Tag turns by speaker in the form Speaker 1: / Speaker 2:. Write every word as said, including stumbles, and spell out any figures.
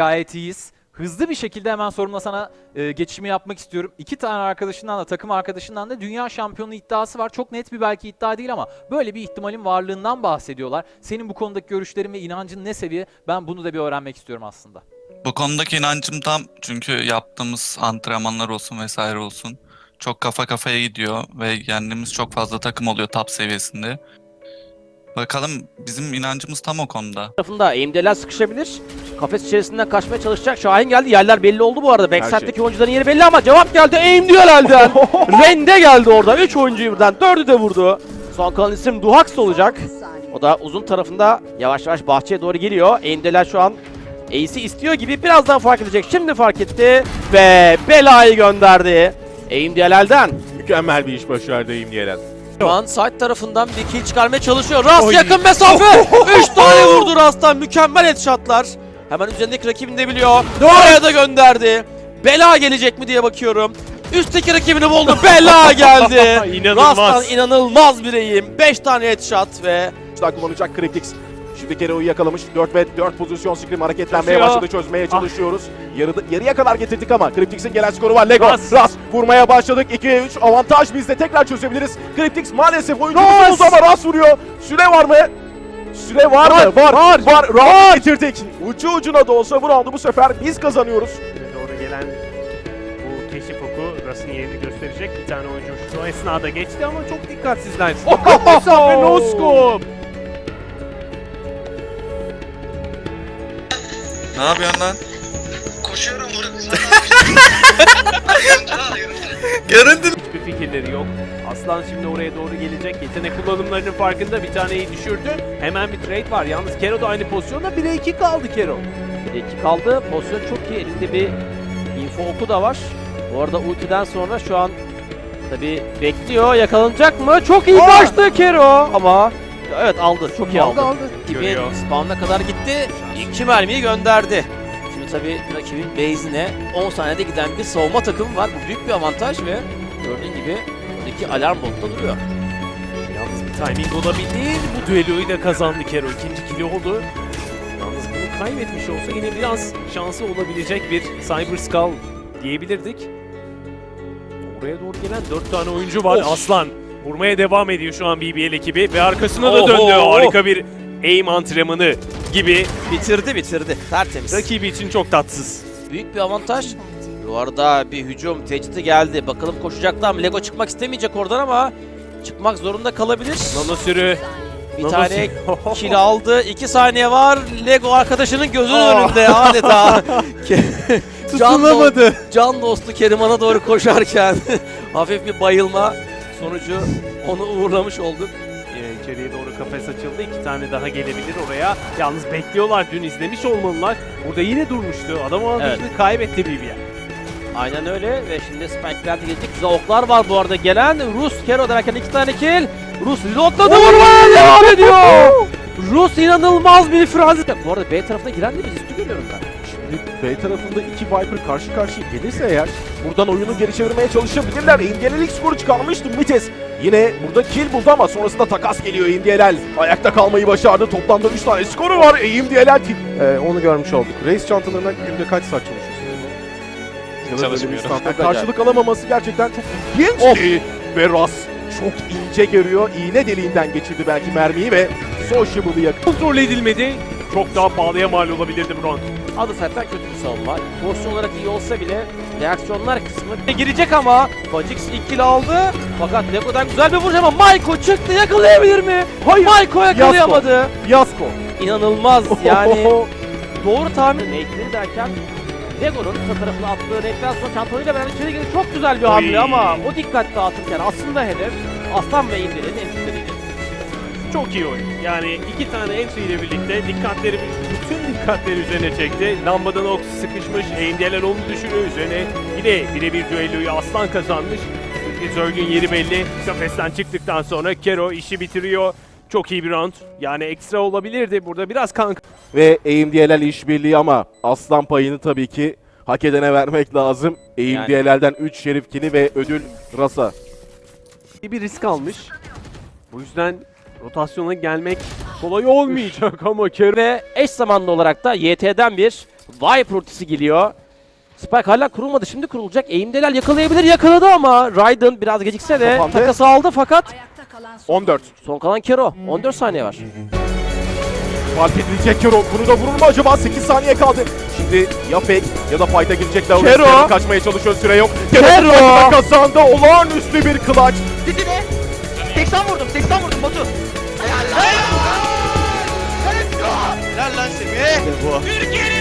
Speaker 1: Gayet iyiyiz. Hızlı bir şekilde hemen sorumla sana e, geçişimi yapmak istiyorum. İki tane arkadaşından da takım arkadaşından da dünya şampiyonu iddiası var. Çok net bir belki iddia değil ama böyle bir ihtimalin varlığından bahsediyorlar. Senin bu konudaki görüşlerin ve inancın ne seviye? Ben bunu da bir öğrenmek istiyorum aslında.
Speaker 2: Bu konudaki inancım tam, çünkü yaptığımız antrenmanlar olsun vesaire olsun çok kafa kafaya gidiyor ve yendiğimiz çok fazla takım oluyor top seviyesinde. Bakalım, bizim inancımız tam o konuda.
Speaker 3: Tarafında eğimdeler sıkışabilir. Kafes içerisinden kaçmaya çalışacak. Şahin geldi. Yerler belli oldu bu arada. Backside'deki şey. oyuncuların yeri belli ama cevap geldi. Aim diyor elden. Rende geldi orada. üç oyuncuyu birden. dördü de vurdu. Son kalan isim Duhax olacak. O da uzun tarafında yavaş yavaş bahçeye doğru geliyor. Aimdeler şu an Ace'i istiyor gibi, birazdan fark edecek. Şimdi fark etti ve belayı gönderdi. Aimdeler'den.
Speaker 4: Mükemmel bir iş başardı İmdiyelen.
Speaker 3: Şu an side tarafından bir kill çıkarmaya çalışıyor. Rast Oy. yakın mesafe. üç tane vurdu Rast'tan. Mükemmel headshotlar. Hemen üzerindeki rakibini de biliyor. Oraya da gönderdi. Bela gelecek mi diye bakıyorum. Üstteki rakibini buldu. Bela geldi.
Speaker 4: İnanılmaz.
Speaker 3: Rast'tan inanılmaz bir eğim. beş tane headshot ve
Speaker 4: Daha kullanacak Cryptix. Şimdi Kero'yu yakalamış. dört ve dört pozisyon Scream hareketlenmeye
Speaker 3: Koşuyor.
Speaker 4: başladı. Çözmeye çalışıyoruz. Yarıda, yarıya kadar getirdik ama Cryptix'in gelen skoru var. Lego.
Speaker 3: Ras.
Speaker 4: Ras. Vurmaya başladık. ikiye üç. Avantaj bizde. Tekrar çözebiliriz. Cryptix maalesef oyuncumuz oldu ama Ras vuruyor. Süre var mı? Süre var,
Speaker 3: Var,
Speaker 4: mı? Var.
Speaker 3: var.
Speaker 4: Var. Round getirdik. Ucu ucuna da olsa bu roundu bu sefer biz kazanıyoruz.
Speaker 5: Doğru gelen bu keşif oku Ras'ın yerini gösterecek. Bir tane oyuncu şu esnada geçti ama çok dikkatsizler. Mesafe no scope.
Speaker 2: Ne yapıyorsun lan?
Speaker 6: Koşuyorum vurup
Speaker 2: Göründün.
Speaker 5: Hiçbir fikirleri yok. Aslan şimdi oraya doğru gelecek. Yetenek kullanımlarının farkında, bir taneyi düşürdü. Hemen bir trade var. Yalnız Kero da aynı pozisyonda. bire iki kaldı Kero.
Speaker 3: bir iki kaldı. Pozisyon çok iyi. Elinde bir info oku da var. Bu arada ultiden sonra şu an tabi bekliyor. Yakalanacak mı? Çok iyi kaçtı Kero ama evet aldı. Çok iyi aldı.
Speaker 5: aldı.
Speaker 3: Gibi
Speaker 5: Görüyor.
Speaker 3: spawn'a kadar gitti. İki mermiyi gönderdi. Şimdi tabi rakibin base'ine on saniyede giden bir savunma takımı var. Bu büyük bir avantaj ve gördüğün gibi buradaki alarm botta duruyor.
Speaker 5: Yalnız bir timing olabilir. Bu düelloyu da kazandı Kero. İkinci kili oldu. Yalnız bunu kaybetmiş olsa yine biraz şansı olabilecek bir Cyber Skull diyebilirdik. Oraya doğru gelen dört tane oyuncu var.
Speaker 3: Of.
Speaker 5: Aslan vurmaya devam ediyor şu an B B L ekibi ve arkasına da
Speaker 3: Oho.
Speaker 5: döndü. Harika bir aim antrenmanı gibi.
Speaker 3: Bitirdi bitirdi. Tertemiz.
Speaker 5: Rakibi için çok tatsız.
Speaker 3: Büyük bir avantaj. Bu arada bir hücum tehdidi geldi. Bakalım koşacaklar mı? Lego çıkmak istemeyecek oradan ama çıkmak zorunda kalabilir.
Speaker 5: Nano sürü.
Speaker 3: Bir
Speaker 5: Nano
Speaker 3: tane
Speaker 5: sürü.
Speaker 3: kill aldı. iki saniye var. Lego arkadaşının gözünün
Speaker 5: Aa.
Speaker 3: önünde adeta. can, do can dostu Keriman'a doğru koşarken hafif bir bayılma sonucu onu uğurlamış olduk.
Speaker 5: Ee, İçeriye doğru kafes açıldı. İki tane daha gelebilir oraya. Yalnız bekliyorlar. Dün izlemiş olmalılar. Burada yine durmuştu. Adam avantajını
Speaker 3: Evet.
Speaker 5: kaybetti B B L.
Speaker 3: Aynen öyle ve şimdi Spike'ler de gelecek. Güzel oklar var bu arada gelen. Rus Kero derken iki tane kill. Rus reloadladı, vurmaya devam ediyor. Rus inanılmaz bir frazi. Bu arada B tarafına giren de biz üstü görüyorum ben.
Speaker 4: Şimdi B tarafında iki Viper karşı karşıya gelirse eğer buradan oyunu geri çevirmeye çalışabilirler. İmdiyelel ilk skoru çıkarmıştı Mites. Yine burada kill buldu ama sonrasında takas geliyor İmdiyelel. Ayakta kalmayı başardı. Toplamda üç tane skoru var. İmdiyelel
Speaker 7: Ee, onu görmüş olduk. Race çantalarına günde kaç saat çalışıyorsunuz?
Speaker 2: Çalışmıyorum.
Speaker 4: karşılık alamaması gerçekten çok ilginçti. Ve Ras çok ince görüyor. İğne deliğinden geçirdi belki mermiyi ve Sociable'ı yakaladı.
Speaker 5: Kontrol edilmedi. Çok daha pahalıya mal olabilirdi bu round.
Speaker 3: Adı zaten kötü bir savunma. Pozisyon olarak iyi olsa bile reaksiyonlar kısmı girecek ama Fajix ilk kill aldı. Fakat Lego'dan güzel bir vuruş ama Maiko çıktı, yakalayabilir mi?
Speaker 4: Hayır.
Speaker 3: Maiko yakalayamadı.
Speaker 4: Fiyasko.
Speaker 3: İnanılmaz yani. Doğru tahmin. Nate'leri derken Lego'nun kısa tarafına attığı nate'den sonra çantalıyla beraber içeri girdi. Çok güzel bir hamle
Speaker 5: Oy.
Speaker 3: ama o dikkat dağıtırken aslında hedef Aslan ve İndir'in entry'leriydi.
Speaker 5: Çok iyi oyun. Yani iki tane entry ile birlikte dikkatleri, bütün dikkatleri üzerine çekti. Lambadan ok sıkışmış. Aimdiyeler onu düşürüyor. Üzerine yine birebir düelloyu Aslan kazanmış. Zerg'ün yeri belli. Kafesten çıktıktan sonra Kero işi bitiriyor. Çok iyi bir round. Yani ekstra olabilirdi. Burada biraz kan
Speaker 4: Ve AIMDLL işbirliği ama aslan payını tabii ki hak edene vermek lazım. AIMDLL'den üç şerif kili ve ödül Ras'a.
Speaker 5: bir risk almış. Bu yüzden rotasyona gelmek kolay olmayacak ama Kero
Speaker 3: Ve eş zamanlı olarak da Y T'den bir Viper ultisi geliyor. Spike hala kurulmadı. Şimdi kurulacak. Eğimdeler yakalayabilir. Yakaladı ama Raiden biraz gecikse de
Speaker 4: Kapandı.
Speaker 3: takası aldı fakat
Speaker 4: on dört.
Speaker 3: son kalan Kero. on dört saniye var.
Speaker 4: Fark edilecek Kero. Bunu da vurur mu acaba? sekiz saniye kaldı. Şimdi ya fake ya da fight'a girecekler. Orası
Speaker 3: Kero.
Speaker 4: Kero kaçmaya çalışıyor. Süre yok.
Speaker 3: Kero.
Speaker 4: Kero kazandı. Olağanüstü bir clutch.
Speaker 6: Didine. seksen vurdum, seksen vurdum Batu. Helal lan. Helal lan Semih.
Speaker 3: Bu.
Speaker 6: Türkiye'nin